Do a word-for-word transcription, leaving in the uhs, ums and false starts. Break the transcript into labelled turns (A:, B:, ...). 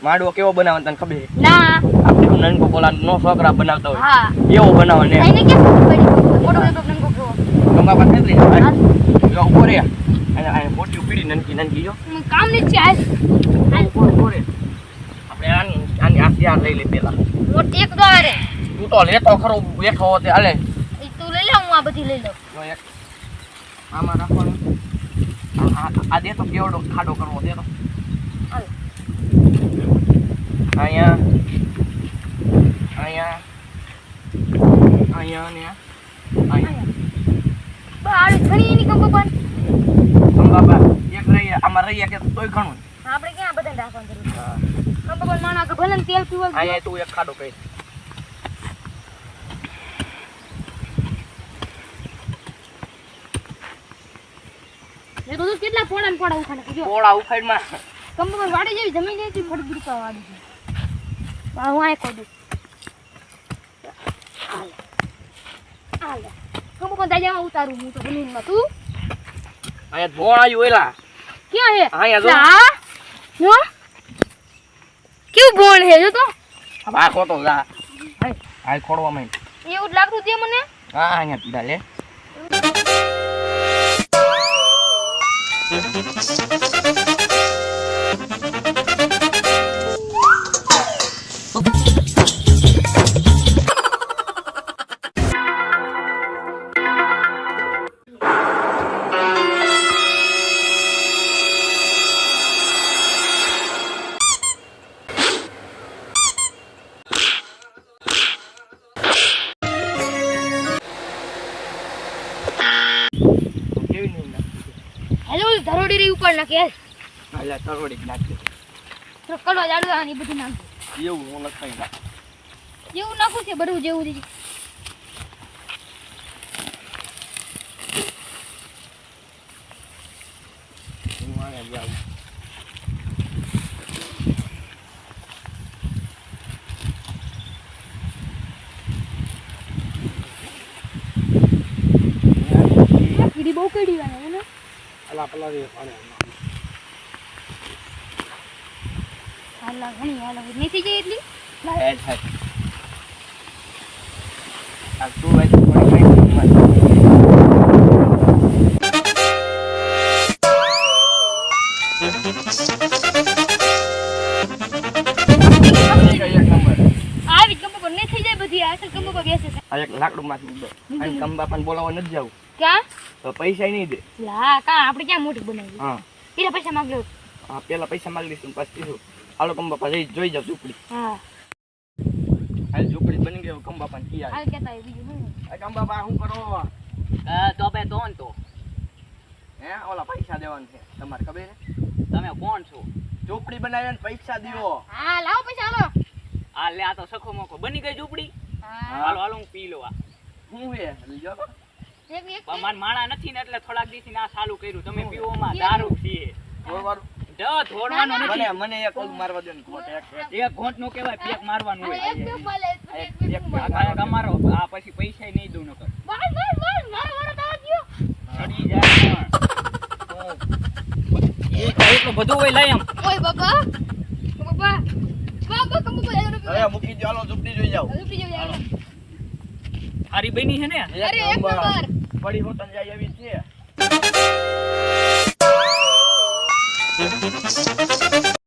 A: માડવો કેવો બનાવવાનો તને ખબર છે?
B: ના
A: આપણે નનકો કોલા નો છોકરા બનાવતા હોય
B: હા
A: એવો બનાવો ને
B: એને કે પડી મોટો મોટો નંગો જો
A: ગંગા પાસે નથી જો ઉભો રે અને આ મોટી પીડી નનકી નનકી જો
B: કામ ની છે આજ
A: ઉભો ઉભો રે આપણે આની આની આ ત્યાર લઈ લે પેલા
B: મોટી એક દ્વારે
A: તું તો લેતો ખરો બેઠો હોતે હાલે
B: ઈ તું લઈ લે હું આ બધી લઈ લઉં
A: જો એક આમાં રાખવાનું આ આ દે તો કેવડો ખાડો કરવો દે તો
B: હાલ
A: અહીંયા અહીંયા અહીંયા ને અહીંયા
B: બાર ઘણી ની કંપો પણ
A: બાબા એક રહી આમાં રહી કે તોય ઘણું
B: આપણે ક્યાં બધા રાખવાનું જરૂર હા કંપો પણ માણા કે ભલે તેલ પીવા
A: અહીંયા તું એક ખાડો કરી
B: એ તો કેટલા પોડા ને પોડા ઉખાડે જો
A: પોળા ઉખાડમાં
B: કંપો પર વાડી જેવી જમીન જેવી ફટ ગુરકા વાડી છે બા હું આ કોડું હાલ હાલ કંપો પર દાજામાં ઉતારું હું તો બનીનમાં તું
A: અહીંયા ધોળ આવ્યું એલા
B: ક્યાં હે
A: અહીંયા જો
B: લા જો કેવું બોલ હે જો તો
A: આ ખોટો જા આ ખોડવા માં
B: એવું જ લાગતું તે મને
A: હા અહીંયા પીડા લે
B: હેલો ધરોડી રી ઉપર નાખે
A: હાલા તરોડી નાખી
B: તો કડવા જાડવા આની બધી નાખ
A: એવું હું લખાઈ નાખ
B: જેવું નાખું છે બધું જેવું છે
A: હું આને જાઉં
B: કીડી બહુ કીડી વાળા ને
A: અલા પલા રે પાડે
B: હાલા ઘણી હાલા નથી ગઈ એટલી
A: ના હેડ હેડ આ તું વાય થોડી કાઈ
B: આવી કંપો પર ને થઈ જાય બધી આ કંપો પર બેસે છે
A: આ એક લાકડું માંથી ઉડો અને કંબા પણ બોલાવવા નથી જાવ
B: ક્યાં
A: તો પૈસા નહીં દે
B: લા કા આપણે ક્યાં મોટી બનાવી
A: હા
B: પેલા પૈસા માંગ લો
A: હા પેલા પૈસા માંગી લઈશું પછી કીધું હાલો કંબા પાસે જોઈ જાવ ઝૂંપડી
B: હા
A: હાલ ઝૂંપડી બની ગયો કંબા પણ કી
B: હાલ કેતા હોય બીજું હું
A: આ કંબા બા શું કરો
C: હા તો બે તો ને તો
A: હે ઓલા પૈસા દેવાનું છે તમારે ખબર છે
C: તમે કોણ છો?
A: ઝૂંપડી બનાવીને પૈસા દીવો
B: હા લાવો પૈસા હાલો
C: આ લે આ તો સખો મોકો બની ગઈ ઝૂંપડી.
B: હા
C: હાલો હાલો હું પી લો આ
A: હું હે લીજો તો
B: એક એક
C: પણ માર માણા નથી ને એટલે થોડાક દિવસથી આ ચાલુ કર્યું. તમે પીવોમાં દારૂ પીએ
A: થોડવાનું
C: જો ધોડવાનું
A: મને
C: નથી.
A: મને એક ઓલું મારવા દો ને ખોટ એક
C: એક ઘોંટ નો કહેવાય પેક મારવાનું
B: એક
C: હોય.
B: બે બોલે એક બે
A: એક
B: બોલે
C: આ કાંઈક અમારો આ પછી પૈસા નહીં દઉં નકર
B: બસ બસ બસ મારો મારો તાવ ગયો
C: ચડી જાય પણ એ તો એટલું બધું હોય લઈ આમ
B: ઓય બાપા બાપા બાપા કંપો પર
A: હવે મૂકી દો હાલો ઝૂંપડી જોઈ જાવ
B: રૂપી જો યાર
C: હારી બની છે ને
B: અરે એક નંબર
A: બડી હોટલ જાય એવી છે